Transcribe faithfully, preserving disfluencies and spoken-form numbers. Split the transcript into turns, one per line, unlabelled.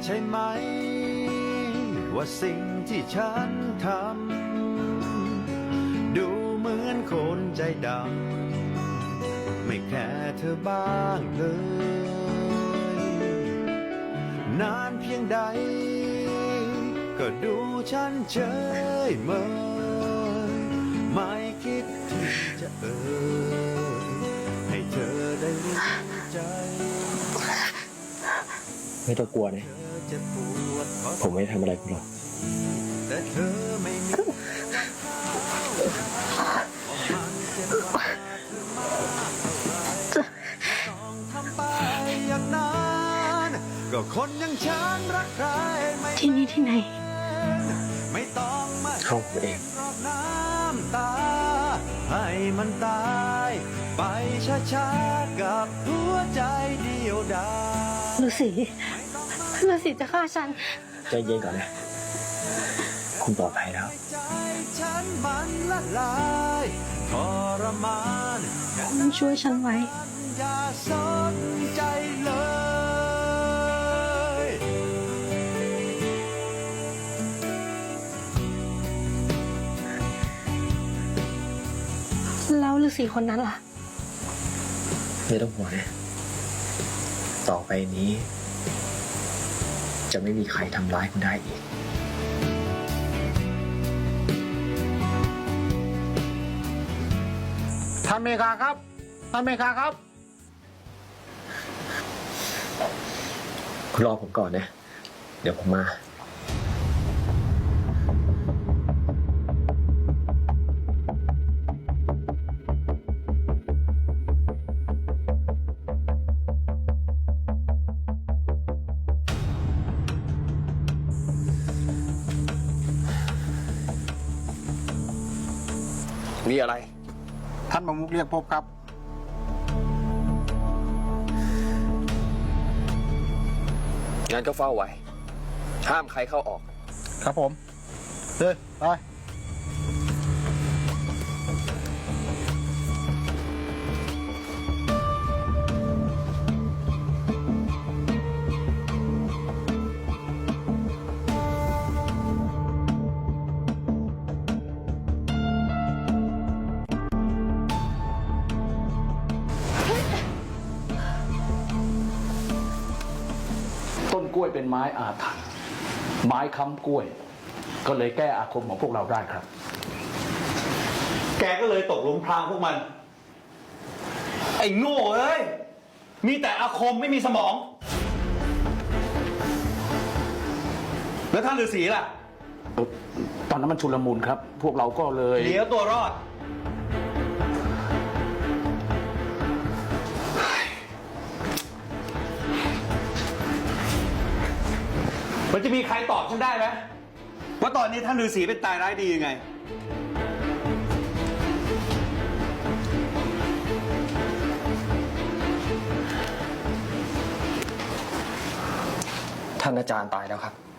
ใช่ไหมว่าสิ่งที่ฉันทำดูเหมือนคนใจดำไม่แค่เธอบ้างเลยนานเพียงใดก็ดูฉันเฉยเมยไม่คิดที่จะเอ่ยให้เธอได้รู้ใจ
ไม่ต้องกลัวนะผมไม่ทำอะไรคุณหรอก
แต่เธอไม่มีต้องทำไปอย่างนั้นก็คนอย่างฉันรักใครไม่
ที่นี่ที่ไหน
ไม่ต้องมา
เข้าผมเอง
รอบน้ำตาให้มันตายไปช้าๆกับหัวใจเดียวดาย
ฤาษีฤาษีจะฆ่าฉัน
ใจเย็นก่อนนะคุณปลอดภัยแล้ว
ใจฉันมันละลายทรมาน
ต้องช่วยฉันไว้
อย่าสนใจเลย
แล้วฤาษีคนนั้นล่ะ
ไม่ต้องห่วงนะต่อไปนี้จะไม่มีใครทำร้ายคุณได้อีก
ท่านเมฆาครับท่านเมฆาครับ
คุณรอผมก่อนนะเดี๋ยวผมมามีอะไร
ท่านประมุขเรียกพบครับ
งั้นก็เฝ้าไว้ห้ามใครเข้าออก
ครับผมเฮ้ยไปต้นกล้วยเป็นไม้อาถรรพ์ไม้ค้ำกล้วยก็เลยแก้อาคมของพวกเราได้ครับ
แกก็เลยตกหลุมพรางพวกมันไอ้โง่เอ้ยมีแต่อาคมไม่มีสมองแล้วท่านฤาษีล่ะ
ตอนนั้นมันชุลมุนครับพวกเราก็เลย
หนีเอาตัวรอดมันจะมีใครตอบฉันได้ไหมว่าตอนนี้ท่านฤาษีเป็นตายร้ายดียังไง
ท่านอาจารย์ตายแล้วครับ